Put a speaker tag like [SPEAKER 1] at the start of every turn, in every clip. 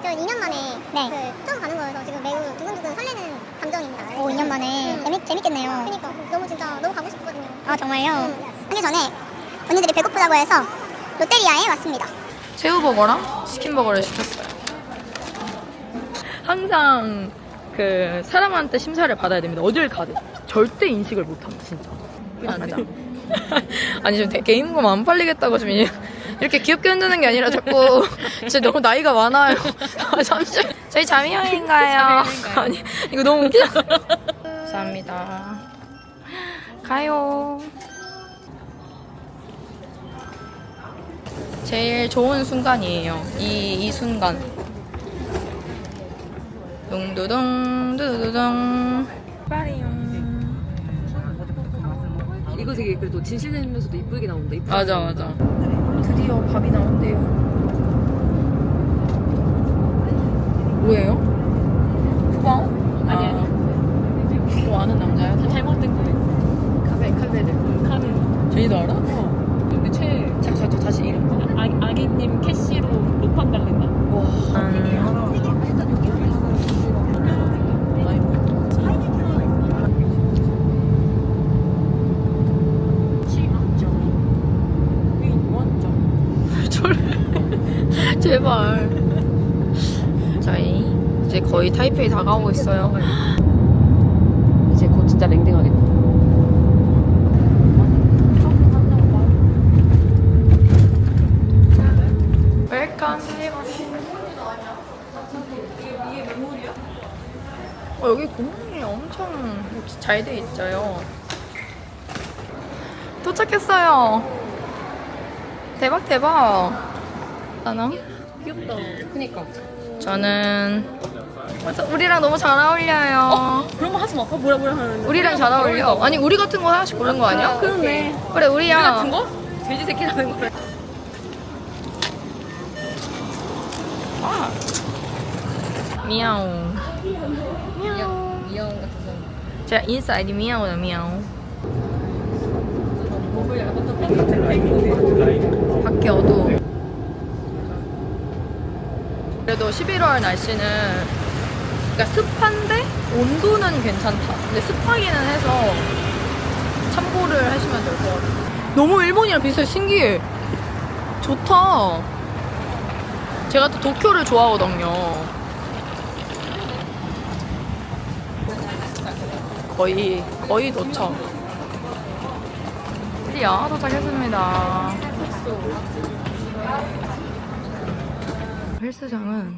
[SPEAKER 1] 저 2년 만에 처음 가는 거여서 지금 매우 두근두근 설레는 감정입니다.
[SPEAKER 2] 오, 2년 만에 재밌겠네요.
[SPEAKER 1] 그러니까 너무 진짜 너무 가고 싶거든요.
[SPEAKER 2] 아, 정말요?
[SPEAKER 1] 하기 전에 언니들이 배고프다고 해서 롯데리아에 왔습니다.
[SPEAKER 3] 새우버거랑 치킨버거를 시켰어요. 항상 그 사람한테 심사를 받아야 됩니다. 어딜 가든 절대 인식을 못합니다. 진짜. 맞아. 아니 지금 개인금 안 팔리겠다고 지금 이렇게 귀엽게 흔드는 게 아니라 자꾸 진짜 너무 나이가 많아요. 아, 잠시 저희 자미형인가요? 아니 이거 너무 웃기다. 감사합니다. 가요. 제일 좋은 순간이에요. 이 순간. 둥두둥 두두두둥. 빠리용.
[SPEAKER 4] 이거 되게 그래도 진실되면서도 이쁘게 나온다.
[SPEAKER 3] 맞아 맞아. 드디어 밥이 나온대요. 뭐예요? 후방? 아니. 또 아는 남자야?
[SPEAKER 4] 잘못된 거예요. 카베를
[SPEAKER 3] 제니도 알아?
[SPEAKER 4] 근데
[SPEAKER 3] 다시 이름.
[SPEAKER 4] 아기님 캐시로 로판 달린다.
[SPEAKER 3] 와. 제발. 저희 이제 거의 타이페이 다가오고 있어요.
[SPEAKER 4] 이제 곧 진짜 랭딩하겠다.
[SPEAKER 3] 웰컴. 여기 공항이 엄청 잘 돼 있어요. 도착했어요. 대박 대박. 하나?
[SPEAKER 4] 귀엽다. 그니까.
[SPEAKER 3] 저는 우리랑 너무 잘 어울려요.
[SPEAKER 4] 그런 거 하지 마. 뭐라 하는데.
[SPEAKER 3] 우리랑 잘 어울려. 아니 우리 같은 거 하나씩 고른 거 아니야?
[SPEAKER 4] 그러네.
[SPEAKER 3] 그래 우리야.
[SPEAKER 4] 우리 같은 거? 돼지 새끼라는 거.
[SPEAKER 3] 아. 미야옹.
[SPEAKER 4] 미야옹 같은 사람.
[SPEAKER 3] 제가 인사이드 미야옹이다 미야옹.
[SPEAKER 4] 목을 약간 또
[SPEAKER 3] 밖에 어두워. 그래도 11월 날씨는 그러니까 습한데 온도는 괜찮다. 근데 습하기는 해서 참고를 하시면 될 것 같아요. 너무 일본이랑 비슷해. 신기해. 좋다. 제가 또 도쿄를 좋아하거든요. 거의 도착. 드디어 도착했습니다. 헬스장은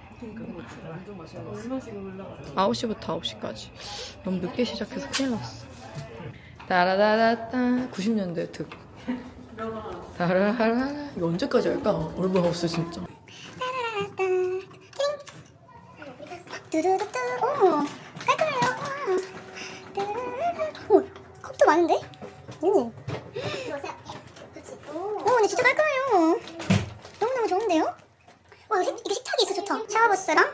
[SPEAKER 3] 9시부터 9시까지. 너무 늦게 시작해서 큰일 났어. 따라다라따 90년대 특. 따라라라. 이거 언제까지 할까? 얼마나 없어 진짜.
[SPEAKER 1] 두두두두. 오, 깔끔해요. 와. 오, 컵도 많은데? 오. 오, 근데 진짜 깔끔해요. 너무너무 좋은데요? 와, 이게 식탁이 있어 좋다. 샤워부스랑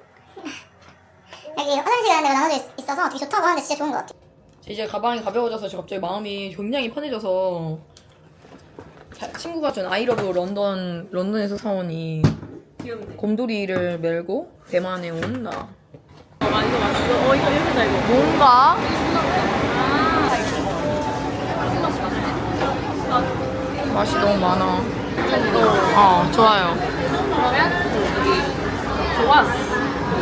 [SPEAKER 1] 여기 화장실 가는 데가 나눠져 있어서 되게 좋다고 하는데 진짜 좋은 것 같아.
[SPEAKER 3] 이제 가방이 가벼워져서 지금 갑자기 마음이 굉장히 편해져서 친구가 준 아이러브 런던에서 사온 이 곰돌이를 메고 대만에 온 나.
[SPEAKER 4] 이거 맛있어. 이거 예쁘다 이거.
[SPEAKER 3] 뭔가? 맛이 너무 많아. 좋아요.
[SPEAKER 4] 좋았어.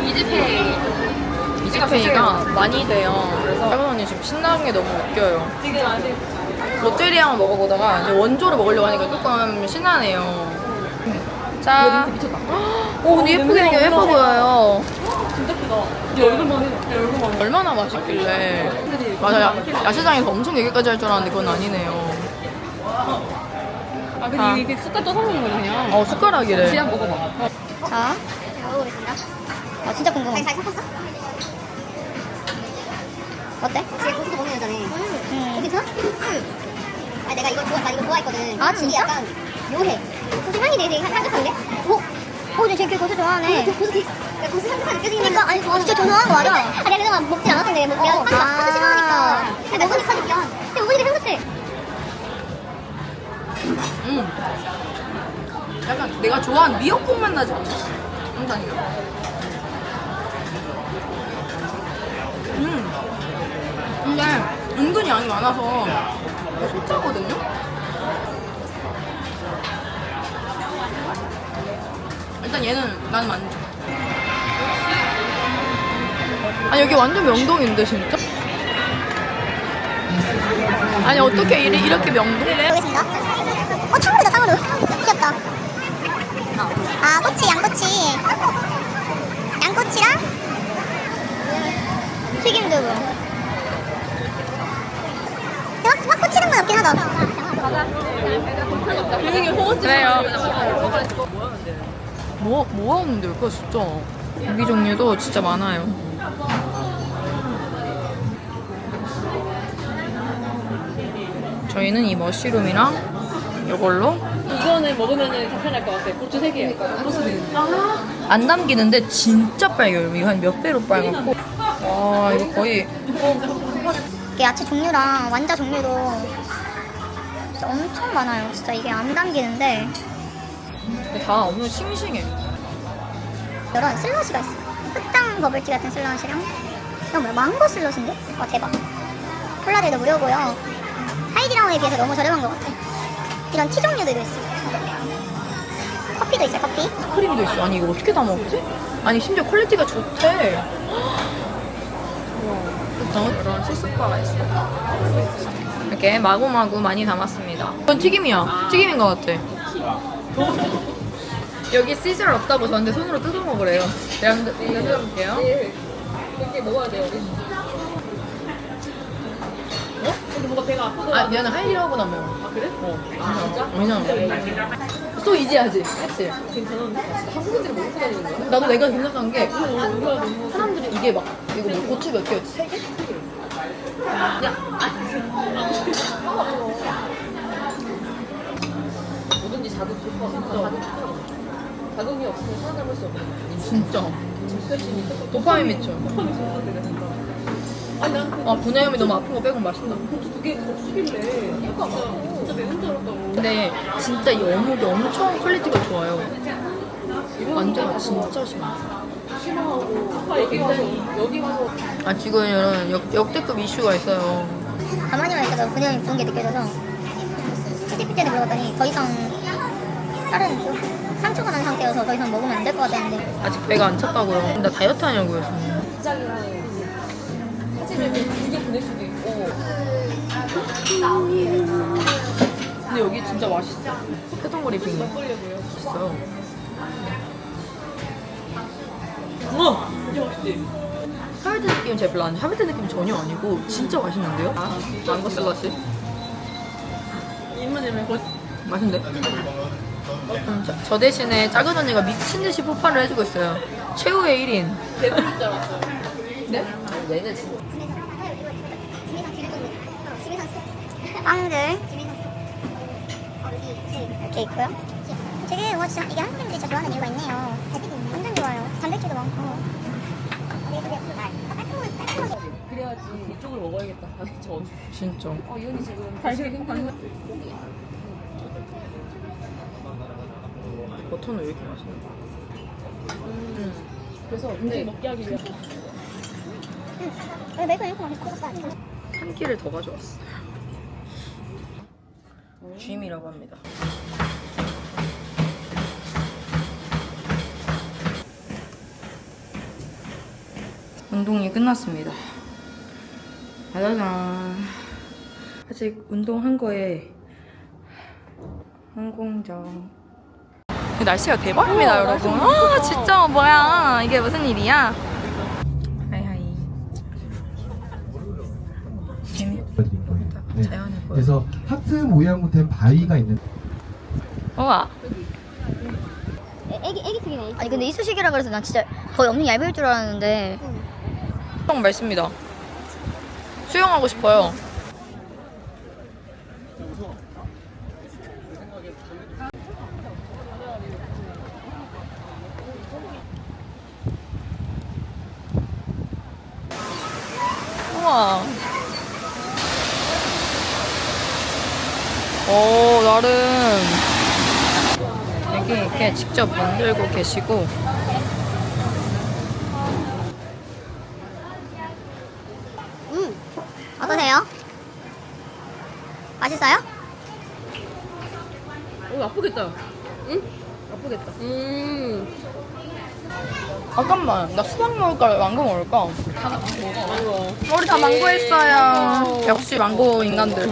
[SPEAKER 3] 이지페이가 많이 돼요. 그래서 할머니 언니 지금 신나는 게 너무 웃겨요.
[SPEAKER 4] 지금 아직
[SPEAKER 3] 롯데리아만 먹어보다가 이제 원조를 먹으려고 하니까 조금 신나네요. 자,
[SPEAKER 4] 미쳤다.
[SPEAKER 3] 오 근데 예쁘게 생겨 예뻐 보여요.
[SPEAKER 4] 진짜 크다. 네 얼굴만 해. 네 얼굴만 해.
[SPEAKER 3] 얼마나 맛있길래. 맞아, 야시장에서 엄청 얘기까지 할 줄 알았는데 그건 아니네요.
[SPEAKER 4] 아 근데 이게 숟갈 떠서 먹는 거냐 그냥.
[SPEAKER 3] 숟가락이래.
[SPEAKER 4] 지한 먹어봐.
[SPEAKER 1] 자, 먹어보겠습니다. 아, 진짜 궁금해. 잘 섞었어? 어때? 지금 고수도 먹는 여자네. 괜찮아? 아, 나 이거 좋아했거든.
[SPEAKER 2] 아, 진짜?
[SPEAKER 1] 이게 약간 묘해. 고수 향이 되게 향긋한데? 오, 근데 쟤 고수 좋아하네. 고수 향긋한 느껴지긴 그러니까, 아니, 진짜 좋아하는 거 맞아. 아, 내가 그동안 먹진 않았는데, 내가 하도 싫어하니까. 근데 먹으니까 느껴. 근데 먹으니까 향긋해.
[SPEAKER 3] 약간 내가 좋아하는 미역국 맛 나지 않나? 영상이야. 근데 은근히 양이 많아서 속자거든요? 일단 얘는 나는 만족. 아니 여기 완전 명동인데 진짜? 아니 어떻게 이렇게 명동?
[SPEAKER 2] 보겠습니다. 탕후루다, 탕후루. 귀엽다. 아, 꼬치, 양꼬치. 양꼬치랑
[SPEAKER 1] 튀김두부.
[SPEAKER 2] 확 꽂히는 건 없긴 하다.
[SPEAKER 3] 그래요. 뭐 하는데 그거 진짜. 고기 종류도 진짜 많아요. 저희는 이 머쉬룸이랑 이걸로
[SPEAKER 4] 이거는 먹으면은 간편할 것 같아. 고추 3개.
[SPEAKER 3] 안 남기는데 진짜 빨개요. 이거 한 몇 배로 빨갛고. 와 이거 거의
[SPEAKER 2] 이게 야채 종류랑 완자 종류도 진짜 엄청 많아요. 진짜 이게 안 담기는데
[SPEAKER 3] 다 엄청 싱싱해.
[SPEAKER 2] 이런 슬러시가 있어요. 흑당 버블티 같은 슬러시랑 이건 뭐야? 망고 슬러시인데? 와 대박. 콜라들도 무료고요. 하이디라운에 비해서 너무 저렴한 것 같아. 이런 티 종류들도 있어요. 커피도 있어요. 커피.
[SPEAKER 3] 크림도 있어. 아니 이거 어떻게 다 먹지? 아니 심지어 퀄리티가 좋대. 이런 소스바가 있어. 이렇게 마구마구 많이 담았습니다. 이건 튀김이야. 튀김인 것 같아. 여기 시절 없다고 저한테 손으로 뜯어 먹으래요. 제가 이거 뜯어볼게요.
[SPEAKER 4] 이렇게 먹어야 돼요. 어? 근데 뭔가 배가 아프더라.
[SPEAKER 3] 아 미안해 하이라고 나면.
[SPEAKER 4] 아, 그래? 진짜?
[SPEAKER 3] 왜냐면 또 이지하지. 그치?
[SPEAKER 4] 괜찮은데? 한국인들이 먹고 다니는 거야?
[SPEAKER 3] 나도 내가 생각한 게
[SPEAKER 4] 우리가 너무
[SPEAKER 3] 사람들이 이게 막 이거 뭐 고추 몇 개였지? 3개?
[SPEAKER 4] 뭐든지 자극 좋고 자극이 없으면 살아남을 수 없는
[SPEAKER 3] 진짜.
[SPEAKER 4] 진짜심이 있어.
[SPEAKER 3] 도파민 미쳐.
[SPEAKER 4] 도파민 좋은데 내가 생각. 아니 난 그
[SPEAKER 3] 아 분해염이 너무 아픈 거 빼곤 맛있다.
[SPEAKER 4] 고추 2개 고추길래 이거 진짜 매운 줄 알았다고.
[SPEAKER 3] 근데 진짜 이 어묵이 엄청 퀄리티가 좋아요. 완전 진짜 심해.
[SPEAKER 4] 심하고 아빠 여기 와서
[SPEAKER 3] 아 지금 이런 역대급 이슈가 있어요.
[SPEAKER 2] 가만히만 있어도 분명히 부은 게 느껴져서 CTPT한테 물어봤더니 더 이상 다른 상처가 난 상태여서 더 이상 먹으면 안 될 것 같다는데
[SPEAKER 3] 아직 배가 안 찼다고요. 나 다이어트 하냐고요. 지금.
[SPEAKER 4] 직장이랑 사진을 길게 보낼 수도 있고.
[SPEAKER 3] 근데 여기 진짜 맛있어. 포켓동거리 빙
[SPEAKER 4] 막걸리고요.
[SPEAKER 3] 맛있어요.
[SPEAKER 4] 우와! 이게 맛있지?
[SPEAKER 3] 하베트 느낌은 제일 별로 안 돼. 하베트 느낌 전혀 아니고 진짜 맛있는데요? 망고 슬러시.
[SPEAKER 4] 입맛이면
[SPEAKER 3] 맛있는데? 저 대신에 작은 언니가 미친 듯이 폭발을 해주고 있어요. 최후의 1인.
[SPEAKER 4] 배부를 줄 알았어.
[SPEAKER 3] 네? 얘는 진짜.
[SPEAKER 2] 빵들 이렇게 있고요. 되게 와 진짜 이게 한국인들이 진짜 좋아하는 이유가 있네요. 완전 좋아요. 단백질도 많고.
[SPEAKER 4] 그래야지 이쪽을 먹어야겠다. 아니 전.
[SPEAKER 3] 진짜.
[SPEAKER 4] 이현이 지금 달걀 힘든
[SPEAKER 3] 버터는 왜 이렇게 맛있나?
[SPEAKER 4] 그래서 근데 먹게 하기 위해서.
[SPEAKER 2] 왜 매일 이렇게 맛있어?
[SPEAKER 3] 한 끼를 더 가져왔어. 쥐임이라고 합니다. 운동이 끝났습니다. 짜잔. 아직 운동한 거에 항공정. 날씨가 대박입니다, 여러분. 아, 진짜 뭐야? 이게 무슨 일이야? 하이하이. 재밌다.
[SPEAKER 5] 네.
[SPEAKER 3] 자연을 보여.
[SPEAKER 5] 그래서 하트 모양으로 된 바위가 있는.
[SPEAKER 3] 우와.
[SPEAKER 1] 애기 튀김이.
[SPEAKER 2] 아니 근데 이쑤시개라 그래서 난 진짜 거의 엄청 얇을 줄 알았는데
[SPEAKER 3] 수영 맑습니다. 수영하고 싶어요. 우와. 오, 나름 여기 이렇게 직접 만들고 계시고
[SPEAKER 2] 맛있어요?
[SPEAKER 4] 오, 아프겠다. 응? 아프겠다.
[SPEAKER 3] 잠깐만, 나 수박 먹을까, 망고 먹을까?
[SPEAKER 4] 다 먹어.
[SPEAKER 3] 우리 다 망고 했어요. 역시 망고 인간들.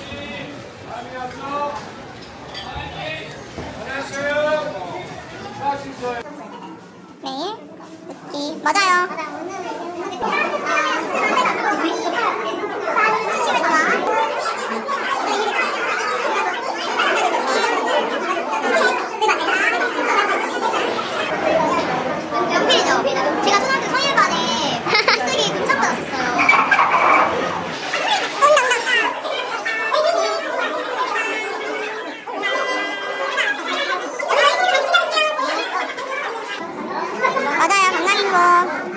[SPEAKER 2] 네. 느끼. 맞아요. 연필이죠. 제가 초등학교 성일반에 글쓰기 금상 받았었어요. 맞아요, 강남인 거.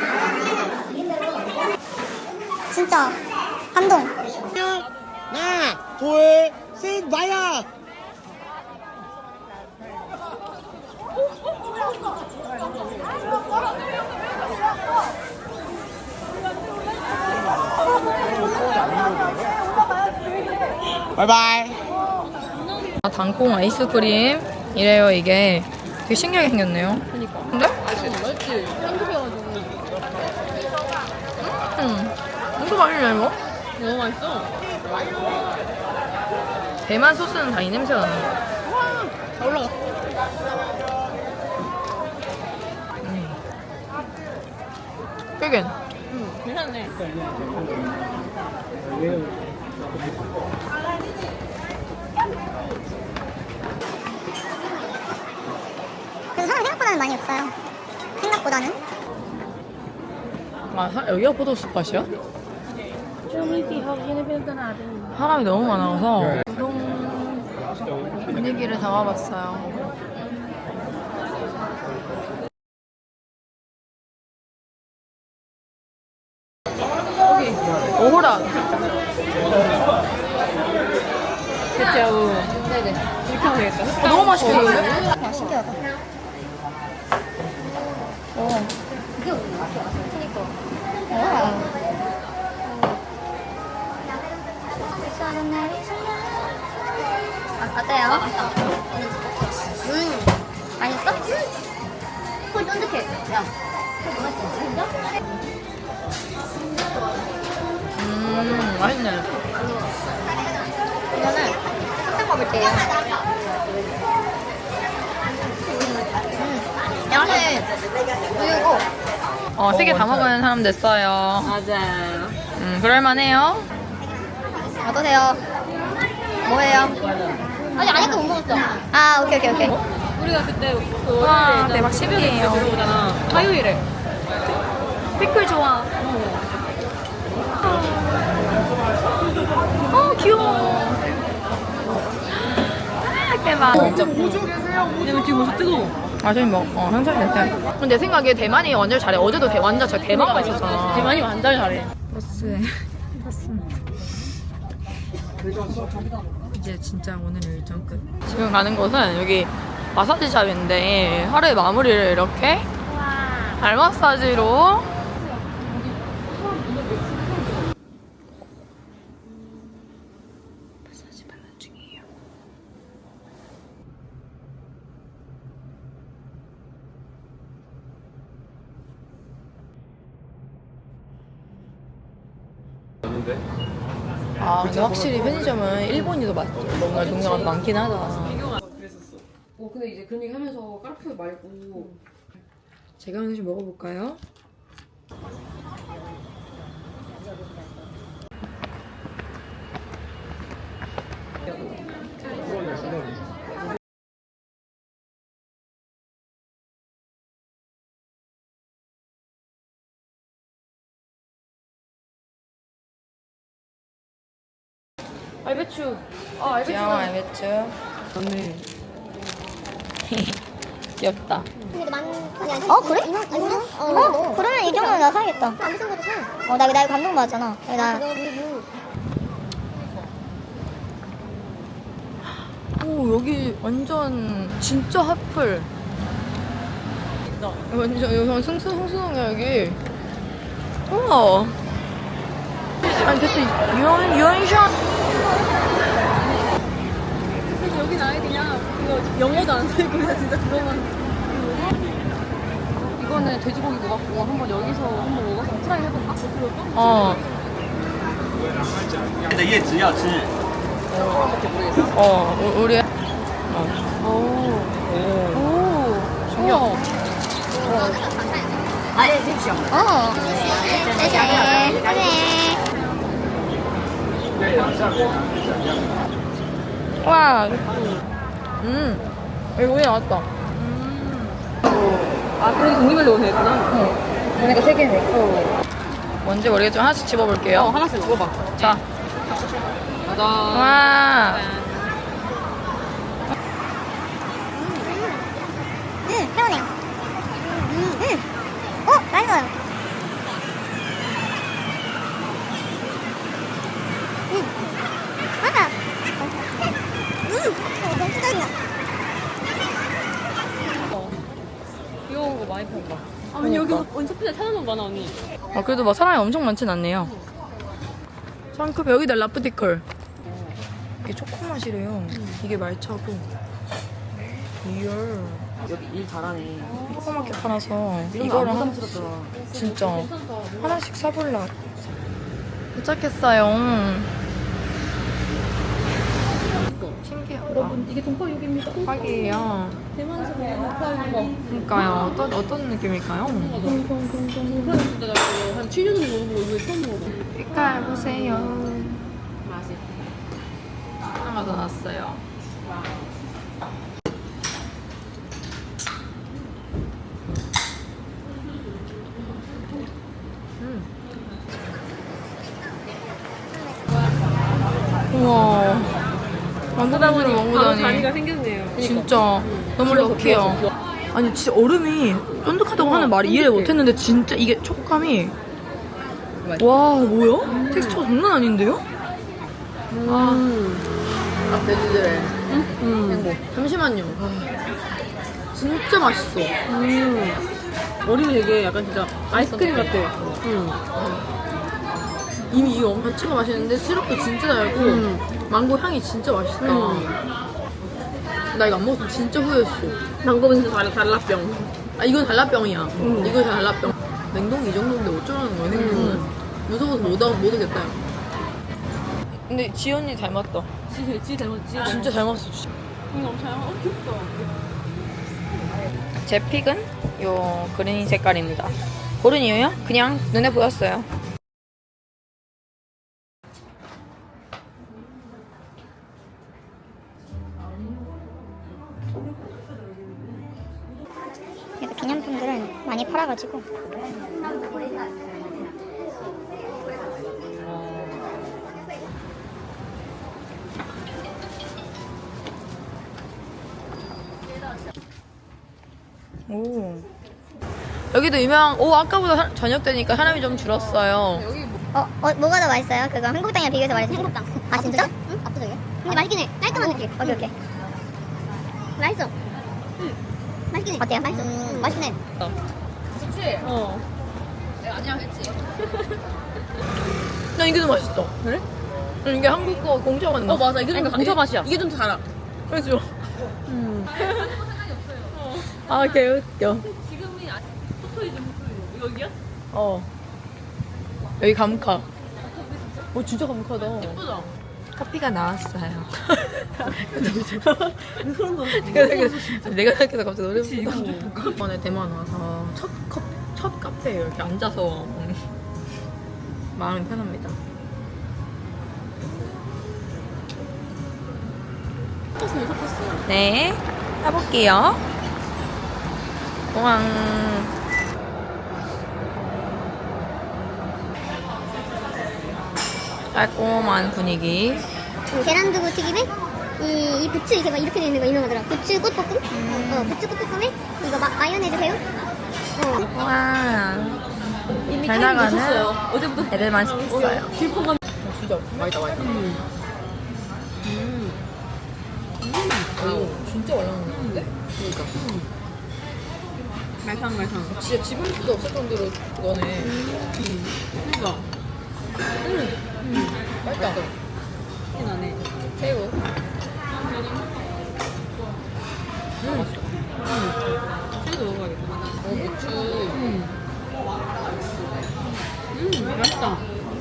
[SPEAKER 2] 진짜 감동.
[SPEAKER 6] 하나, 둘, 셋, 마야! 바이바이.
[SPEAKER 3] 당콩 아이스크림 이래요. 이게 되게 신기하게 생겼네요.
[SPEAKER 4] 그니까.
[SPEAKER 3] 근데?
[SPEAKER 4] 맛있지? 한국이어가지고.
[SPEAKER 3] 엄청 맛있네 이거.
[SPEAKER 4] 너무 맛있어.
[SPEAKER 3] 대만 소스는 다 이 냄새가 나네.
[SPEAKER 4] 다 올라갔어.
[SPEAKER 3] 되게
[SPEAKER 4] 괜찮네.
[SPEAKER 2] 그래서 사람 생각보다는 많이 없어요. 생각보다는.
[SPEAKER 3] 여기가 포토스팟이야? 사람이 너무 많아서 우동 분위기를 담아봤어요. 오호라.
[SPEAKER 4] 대체하고. 네네. 이렇게 하면 되겠다.
[SPEAKER 3] 너무 맛있겠는데?
[SPEAKER 2] 와, 신기하다. 어때요? 맛있어? 콜 쫀득해. 야.
[SPEAKER 3] 맛있네.
[SPEAKER 2] 이거는 탕 먹을 때예요. 양은 우유고.
[SPEAKER 3] 3개 다 먹은 사람 됐어요.
[SPEAKER 4] 맞아요.
[SPEAKER 3] 그럴만해요.
[SPEAKER 2] 어떠세요? 뭐예요? 아니 아직도 못 먹었어. 아 오케이.
[SPEAKER 4] 우리가 그때
[SPEAKER 3] 와, 대박 신기해요.
[SPEAKER 4] 들어오잖아. 화요일에.
[SPEAKER 3] 피클 좋아. 귀여워. 대박.
[SPEAKER 4] 왜냐면 지금 벌써 뜨거워.
[SPEAKER 3] 지금 형철이 됐어요. 근데 내 생각에 대만이 완전 잘해. 어제도 완전 저 대만가 있었잖아.
[SPEAKER 4] 대만이 완전 잘해.
[SPEAKER 3] 버스에 이제 진짜 오늘 일정 끝. 지금 가는 곳은 여기 마사지샵인데 하루의 마무리를 이렇게 발 마사지로 마사지 받는 중이에요. 근데 확실히 편의점은 일본이 더 뭔가 종류가 많긴 하다.
[SPEAKER 4] 근데 이제 그런 얘기 하면서 까르푸 말고
[SPEAKER 3] 제가 하나 좀 먹어볼까요?
[SPEAKER 4] 알배추.
[SPEAKER 3] 알배추.
[SPEAKER 4] 맞네.
[SPEAKER 3] 귀엽다.
[SPEAKER 2] 그래? 그러면 이 정도는 나 사야겠다. 안 비싼 것도 사. 나 이거 감동받았잖아.
[SPEAKER 3] 여기 완전 진짜 핫플. 완전 여기 승수동이야 여기. 우와. 아니 대체 유언샷
[SPEAKER 4] 여긴 아예 그냥 이거 영어도 안 쓰고 그냥 진짜 그거만. 이거는 돼지고기 먹었고 한번 여기서 한번 먹어서 트라이 해볼까?
[SPEAKER 3] 어.
[SPEAKER 6] 你的叶子要吃。
[SPEAKER 3] 우리.
[SPEAKER 4] 오.
[SPEAKER 3] 신기하다. 와. 여기 오이 나왔다.
[SPEAKER 4] 아, 그래도 종류별로 되구나.
[SPEAKER 3] 그러니까 3개네. 뭔지 모르겠지만 하나씩 집어볼게요.
[SPEAKER 4] 하나씩 먹어봐.
[SPEAKER 3] 자.
[SPEAKER 4] 가자.
[SPEAKER 3] 와.
[SPEAKER 2] 시원해요. 맛있어요. 맞아. 너무 뜯어진다.
[SPEAKER 4] 귀여운 거 많이 판다. 아, 언니 여기 원서피자 찾아놓은 거 많아, 언니.
[SPEAKER 3] 아, 그래도 막 사람이 엄청 많진 않네요. 상급 여기다 라프티컬. 이게 초코맛이래요. 이게 말차고. 이열.
[SPEAKER 4] 여기 일 잘하네.
[SPEAKER 3] 조그맣게 팔아서
[SPEAKER 4] 이런
[SPEAKER 3] 이거를
[SPEAKER 4] 거안 부담스럽더라.
[SPEAKER 3] 진짜 하나씩 사볼라. 도착했어요. 신기하다.
[SPEAKER 4] 여러분, 이게 동파육입니다.
[SPEAKER 3] 파기예요.
[SPEAKER 4] 대만에서 먹는 동파육.
[SPEAKER 3] 그러니까요. 어떤 느낌일까요?
[SPEAKER 4] 동파육 진짜 나 이거 한 7년 전에 먹어보고 이거 처음 먹어봐.
[SPEAKER 3] 색깔 보세요.
[SPEAKER 4] 맛이.
[SPEAKER 3] 하나가 더 났어요. 우와. 만두단무를
[SPEAKER 4] 바로
[SPEAKER 3] 먹으다니.
[SPEAKER 4] 자리가 생겼네요.
[SPEAKER 3] 진짜 너무 럭키해요. 아니 진짜 얼음이 쫀득하다고 하는 말이 이해를 못했는데 진짜 이게 촉감이 와 뭐야? 텍스처가 장난 아닌데요? 아 돼지들의 행복. 잠시만요. 진짜 맛있어.
[SPEAKER 4] 머리는 되게 약간 진짜 아이스크림 같아.
[SPEAKER 3] 이미 이 자체가 맛있는데 시럽도 진짜 달고 망고 향이 진짜 맛있다. 나 이거 안 먹었으면 진짜 후회했어.
[SPEAKER 4] 망고는 진짜 달라병.
[SPEAKER 3] 아 이건 달라병이야. 이거 달라병. 냉동이 이 정도인데 어쩌라는 거야 냉동은. 무서워서 못 오겠다. 근데 지연이 닮았다.
[SPEAKER 4] 지 닮았지?
[SPEAKER 3] 진짜 닮았어 진짜.
[SPEAKER 4] 이거 엄청 귀엽다.
[SPEAKER 3] 제 픽은 요 그린 색깔입니다. 고른 이유요? 그냥 눈에 보였어요.
[SPEAKER 2] 그래서 기념품들은 많이 팔아가지고
[SPEAKER 3] 오. 여기도 유명한 아까보다 저녁 되니까 사람이 좀 줄었어요.
[SPEAKER 2] 뭐가 더 맛있어요? 그거 한국당이랑 비교해서 말해주세요.
[SPEAKER 1] 한국당.
[SPEAKER 2] 아 진짜?
[SPEAKER 1] 응? 압도적이야. 근데 맛있긴 해. 깔끔한 느낌.
[SPEAKER 2] 오케이.
[SPEAKER 1] 맛있어. 맛있긴 해.
[SPEAKER 2] 어때요?
[SPEAKER 1] 맛있어. 맛있긴 해.
[SPEAKER 3] 난 이게 더 맛있어. 그래? 이게 한국 거 공짜 맛나.
[SPEAKER 4] 맞아. 이게 좀 공차 맛이야. 이게 좀 더 달아.
[SPEAKER 3] 그렇죠. 아 개웃겨.
[SPEAKER 4] 지금이 포토이즈 여기야?
[SPEAKER 3] 여기 감카. 진짜 감카다.
[SPEAKER 4] 예쁘다.
[SPEAKER 3] 커피가 나왔어요.
[SPEAKER 4] 그런 거.
[SPEAKER 3] 내가 생각해서 갑자기 노래 부르고 이번에 대만 와서 첫 카페에 이렇게 앉아서 마음이 편합니다. 네, 해볼게요. 우왕. 깔끔한 분위기.
[SPEAKER 1] 계란두부 튀김에 이 부추 이렇게 막 이렇게 돼 있는 거 유명하더라. 부추 꽃볶음. 부추 꽃볶음에 이거 마요네즈 새우.
[SPEAKER 3] 와.
[SPEAKER 4] 이미
[SPEAKER 3] 잘
[SPEAKER 4] 타임
[SPEAKER 3] 나가는
[SPEAKER 4] 놓쳤어요. 어제부터
[SPEAKER 3] 애들만 시켰어요.
[SPEAKER 4] 길포감.
[SPEAKER 3] 진짜 맛있다. 진짜 말랑한데? 그러니까.
[SPEAKER 4] 말캉말캉.
[SPEAKER 3] 진짜 집을 수도 없을 정도로 그거네.
[SPEAKER 4] 그니까.
[SPEAKER 3] 맛있다.
[SPEAKER 4] 나네.
[SPEAKER 3] 새우.
[SPEAKER 4] 새우도 먹어야겠다. 고추. 맛있다.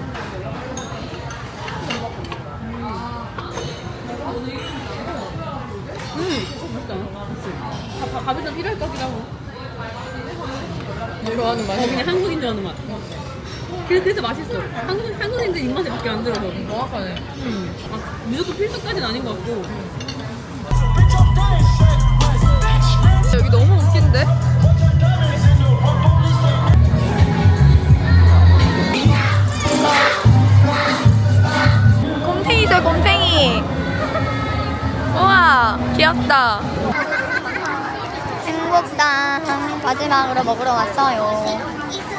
[SPEAKER 4] 맛있다. 밥에서 필요할 것 같기도 하고.
[SPEAKER 3] 좋아하는 맛이.
[SPEAKER 4] 그냥 한국인 좋아하는 맛. 그래서 맛있어. 한국인들 입맛에 밖에 안 들어서.
[SPEAKER 3] 정확하네.
[SPEAKER 4] 무조건 필수까지는 아닌 것 같고.
[SPEAKER 3] 여기 너무 웃긴데? 곰탱이죠, 곰탱이. 우와, 귀엽다.
[SPEAKER 2] 행복당 마지막으로 먹으러 왔어요.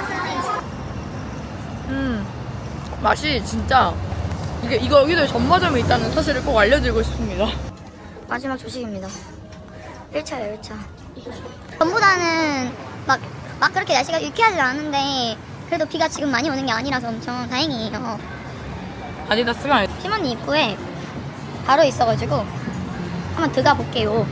[SPEAKER 3] 맛이 진짜 이거 여기도 전마점이 있다는 사실을 꼭 알려드리고 싶습니다.
[SPEAKER 2] 마지막 조식입니다. 1차예요, 1차. 전보다는 막 그렇게 날씨가 유쾌하지 않은데 그래도 비가 지금 많이 오는 게 아니라서 엄청 다행이에요.
[SPEAKER 3] 아디다스가
[SPEAKER 2] 팀원이 입구에 바로 있어가지고 한번 들어가 볼게요.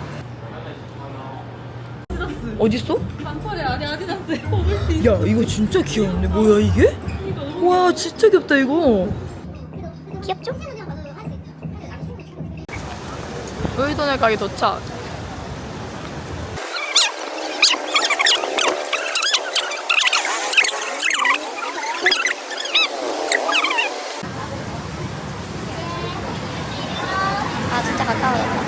[SPEAKER 3] 어딨어?
[SPEAKER 4] 반팔에 아디다스 버블티.
[SPEAKER 3] 야, 이거 진짜 귀여운데? 뭐야 이게? 와, 진짜 귀엽다 이거.
[SPEAKER 2] 귀엽죠?
[SPEAKER 3] 로이도네 가게 도착.
[SPEAKER 2] 아 진짜 가까워요.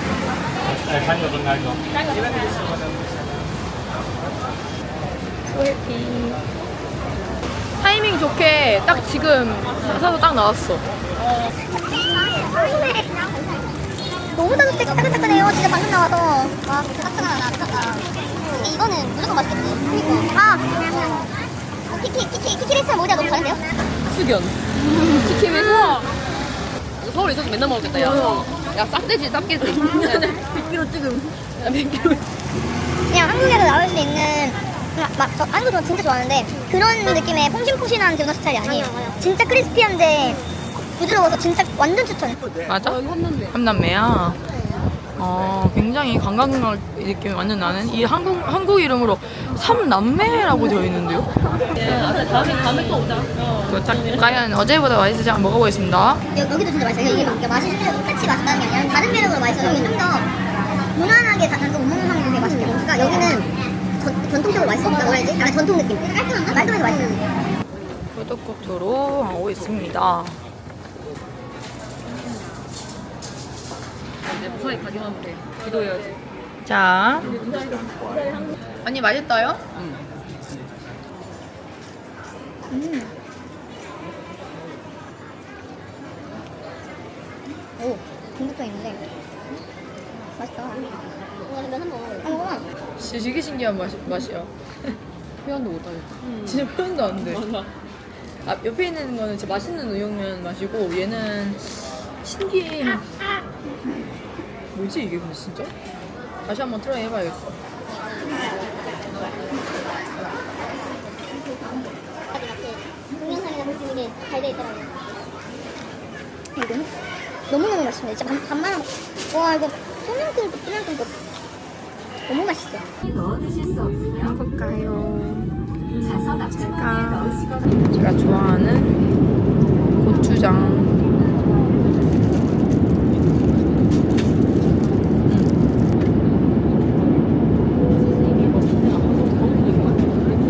[SPEAKER 3] 소해피. 타이밍 좋게 딱 지금 사서 딱 나왔어.
[SPEAKER 2] 너무 따뜻해요. 진짜 방금 나와서. 와, 진짜 따뜻하다. 미쳤다. 근데 이거는 무조건 맛있겠지. 그니까. 아! 키키레스랑 모자 너무 다른데요?
[SPEAKER 4] 숙연. 키키에서 서울에 있어서 맨날 먹었겠다. 야 싹돼지 싹개지. 100kg 지금. 100kg.
[SPEAKER 2] 그냥 한국에서 나올 수 있는 저 한국 저 진짜 좋아하는데 그런 느낌의 퐁신퐁신한 도넛 스타일이 아니에요. 진짜 크리스피한데 부드러워서 진짜 완전 추천해.
[SPEAKER 3] 맞아?
[SPEAKER 4] 한남대.
[SPEAKER 3] 삼남매야. 굉장히 관광 느낌이 완전 나는 이 한국 이름으로 삼남매라고 되어 있는데요.
[SPEAKER 4] 다음에 또 오자.
[SPEAKER 3] 도착. 과연 어제보다 맛있을지 한번 먹어보겠습니다.
[SPEAKER 2] 여기도 진짜 맛있어요. 이게 막 맛이 실제로 똑같이 맛있다는 게 아니라 다른 매력으로 맛있어요. 여기 좀 더 무난하게 다못 먹는 사람이 되게 맛있게 먹으니까 여기는 전통적으로 맛있어. 뭐라 해야지? 약간 전통 느낌. 깔끔한가? 깔끔해서 맛있어요.
[SPEAKER 3] 푸드코트로 하고 있습니다.
[SPEAKER 4] 이제 무사히 가기만 하면 돼. 기도해야지.
[SPEAKER 3] 자, 언니 맛있어요?
[SPEAKER 2] 오, 중독성 있는데 맛있다. 면한 먹어.
[SPEAKER 3] 되게 신기한 맛이야.
[SPEAKER 4] 표현도 못하겠다.
[SPEAKER 3] 진짜 표현도 안 돼.
[SPEAKER 4] 맞아.
[SPEAKER 3] 아, 옆에 있는 거는 진짜 맛있는 우육면 맛이고 얘는 신기해. 뭐지 이게 근데 진짜? 다시 한번 트라이 해봐야겠어.
[SPEAKER 2] 동영상이나 볼 수 있는 게 잘 돼 있더라고요. 이거는 너무너무 맛있네. 진짜 반만 와 이거 소면국도 너무 맛있어.
[SPEAKER 3] 볼까요? 제가 좋아하는 고추장